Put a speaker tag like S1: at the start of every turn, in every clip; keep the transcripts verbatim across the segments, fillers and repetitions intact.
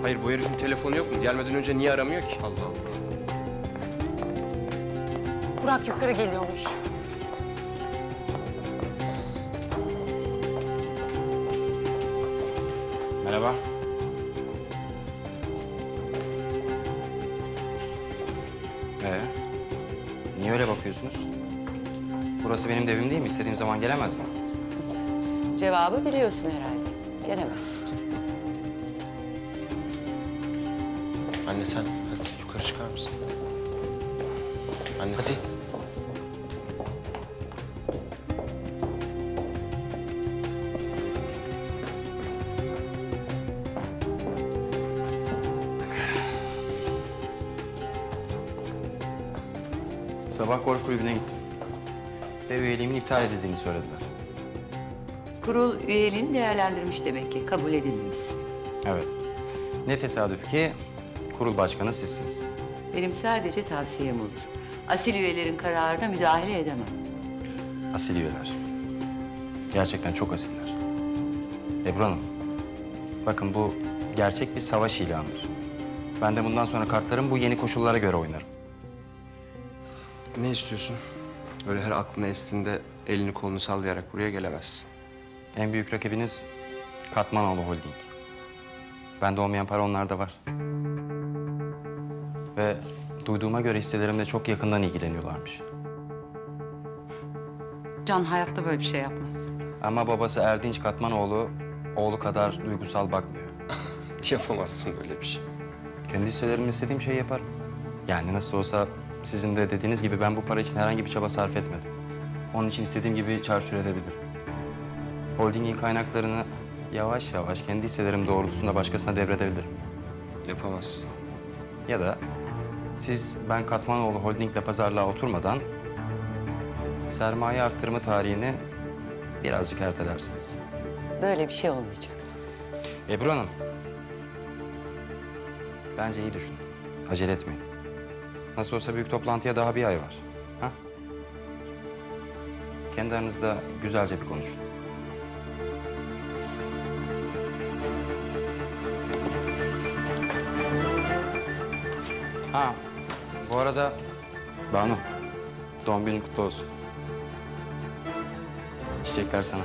S1: Hayır, bu herifin telefonu yok mu? Gelmeden önce niye aramıyor ki? Allah Allah.
S2: Burak yukarı geliyormuş.
S3: Merhaba. Ee, niye öyle bakıyorsunuz? Burası benim de evim değil mi? İstediğim zaman gelemez mi?
S4: Cevabı biliyorsun herhalde. Gelemez.
S1: Anne sen hadi yukarı çıkar mısın? Anne hadi.
S3: Sabah golf kulübüne gittim. Ve üyeliğimin iptal edildiğini söylediler.
S4: Kurul üyeliğini değerlendirmiş demek ki. Kabul edilmemişsin.
S3: Evet. Ne tesadüf ki kurul başkanı sizsiniz.
S4: Benim sadece tavsiyem olur. Asil üyelerin kararına müdahale edemem.
S3: Asil üyeler. Gerçekten çok asiller. Ebru Hanım, bakın bu gerçek bir savaş ilanıdır. Ben de bundan sonra kartlarımı bu yeni koşullara göre oynarım.
S1: Ne istiyorsun? Öyle her aklına estiğinde elini kolunu sallayarak buraya gelemezsin.
S3: En büyük rakibiniz Katmanoğlu Holding. Bende olmayan para onlarda var. Ve duyduğuma göre hisselerimle çok yakından ilgileniyorlarmış.
S2: Can hayatta böyle bir şey yapmaz.
S3: Ama babası Erdinç Katmanoğlu oğlu kadar duygusal bakmıyor.
S1: Yapamazsın böyle bir şey.
S3: Kendi hisselerimle istediğim şeyi yaparım. Yani nasıl olsa sizin de dediğiniz gibi ben bu para için herhangi bir çaba sarf etmedim. Onun için istediğim gibi çarçur edebilirim. Holdingin kaynaklarını yavaş yavaş kendi hisselerim doğrultusunda başkasına devredebilirim.
S1: Yapamazsın.
S3: Ya da siz ben Katmanoğlu Holding'le pazarlığa oturmadan sermaye arttırma tarihini birazcık ertelersiniz.
S4: Böyle bir şey olmayacak.
S3: Ebru Hanım, bence iyi düşünün. Acele etmeyin. Nasıl olsa büyük toplantıya daha bir ay var. Ha? Kendi aranızda güzelce bir konuşun. Ha, bu arada Banu, doğum günün kutlu olsun. Çiçekler sana.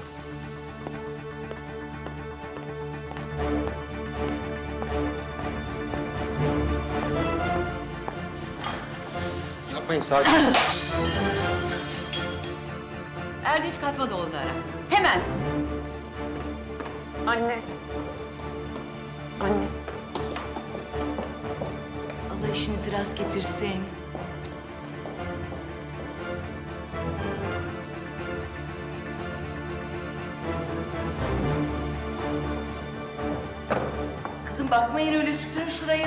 S1: Yapmayın, sakin.
S4: Erdinç Katmanoğlu'nu ara. Hemen.
S2: Anne. Anne.
S5: Allah işinizi rast getirsin. Kızım bakmayın öyle, süpürün şurayı.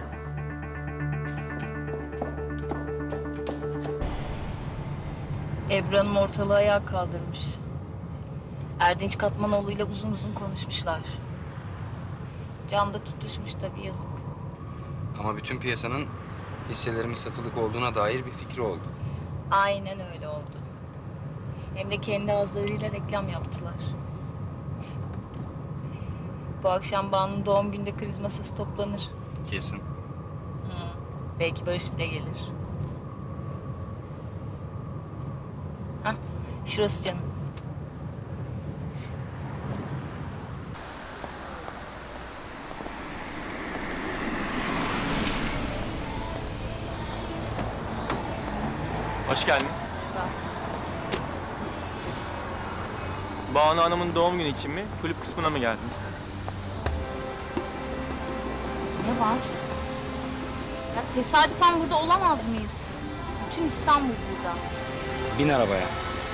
S6: Ebru Hanım ortalığı ayağa kaldırmış. Erdinç Katmanoğlu ile uzun uzun konuşmuşlar. Can da tutuşmuş tabii, yazık.
S3: Ama bütün piyasanın hisselerimin satılık olduğuna dair bir fikri oldu.
S6: Aynen öyle oldu. Hem de kendi ağızlarıyla reklam yaptılar. Bu akşam Banu'nun doğum gününde kriz masası toplanır.
S3: Kesin.
S6: Belki Barış bile gelir. Hah, şurası canım.
S7: Hoş geldiniz. Banu Hanım'ın doğum günü için mi, kulüp kısmına mı geldiniz?
S6: Ne var? Ya tesadüfen burada olamaz mıyız? Bütün İstanbul burada.
S3: Bin arabaya.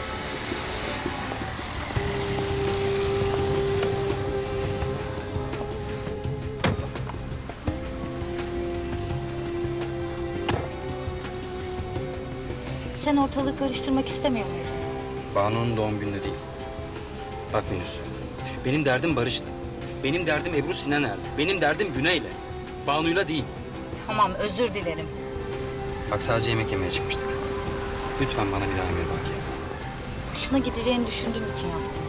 S6: Sen ortalığı karıştırmak istemiyor muydun?
S3: Banu'nun doğum gününde değil. Bak Minüs, benim derdim Barış'la. Benim derdim Ebru Sinaner'le. Benim derdim Güney'le. Banu'yla değil.
S6: Tamam, özür dilerim.
S3: Bak sadece yemek yemeye çıkmıştık. Lütfen bana bir daha emir bak ya.
S6: Hoşuna gideceğini düşündüğüm için yaptım.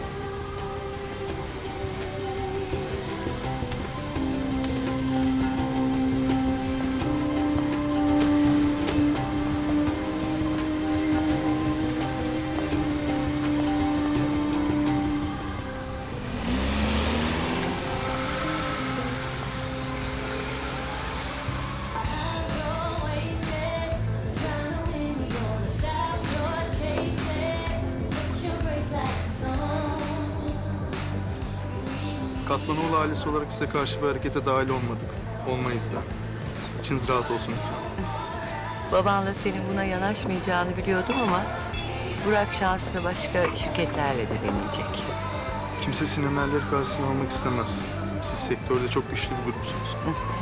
S8: Ünal ailesi olarak size karşı bir harekete dahil olmadık. Olmayız da. İçiniz rahat olsun lütfen.
S4: Babanla senin buna yanaşmayacağını biliyordum ama Burak şansını başka şirketlerle de deneyecek.
S8: Kimse Sinan karşısına almak istemez. Siz sektörde çok güçlü bir grupsunuz.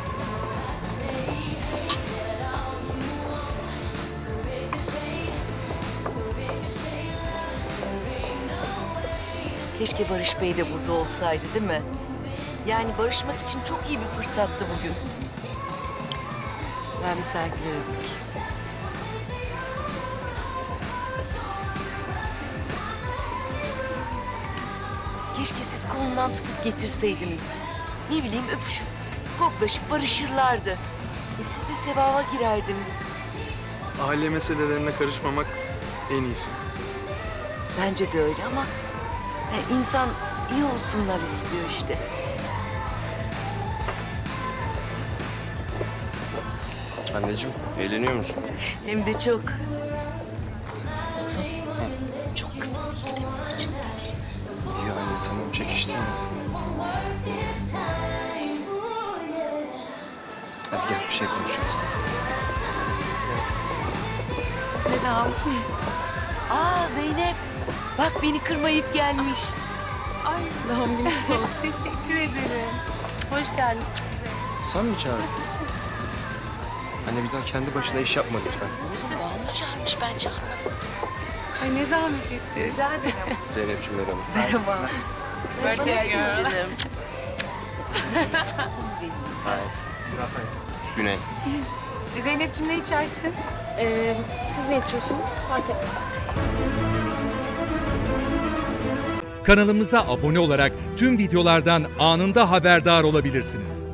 S5: Keşke Barış Bey de burada olsaydı değil mi? Yani barışmak için çok iyi bir fırsattı bugün.
S4: Ben misafirlere bakayım.
S5: Keşke siz kolundan tutup getirseydiniz. Ne bileyim öpüşüp, koklaşıp barışırlardı. E siz de sevaba girerdiniz.
S8: Aile meselelerine karışmamak en iyisi.
S5: Bence de öyle ama e, insan iyi olsunlar istiyor işte.
S1: Anneciğim, eğleniyor musun?
S5: Hem de çok. Oğlum, çok kısa bir açık değil.
S1: İyi anne, tamam çekiştirme. Hadi gel, bir şey konuşacağız.
S5: Aa Zeynep, bak beni kırmayıp gelmiş.
S1: Sen mi çağırdın? Anne bir daha kendi başına iş yapma lütfen.
S5: Oğlum Banu çağırmış, ben çağırmadım.
S1: Zeynep'ciğim merhaba.
S5: Hoş geldin canım.
S1: Güney.
S2: Zeynep'ciğim ne içersin? Ee, siz ne içiyorsunuz? Fark etmez.
S9: Kanalımıza abone olarak tüm videolardan anında haberdar olabilirsiniz.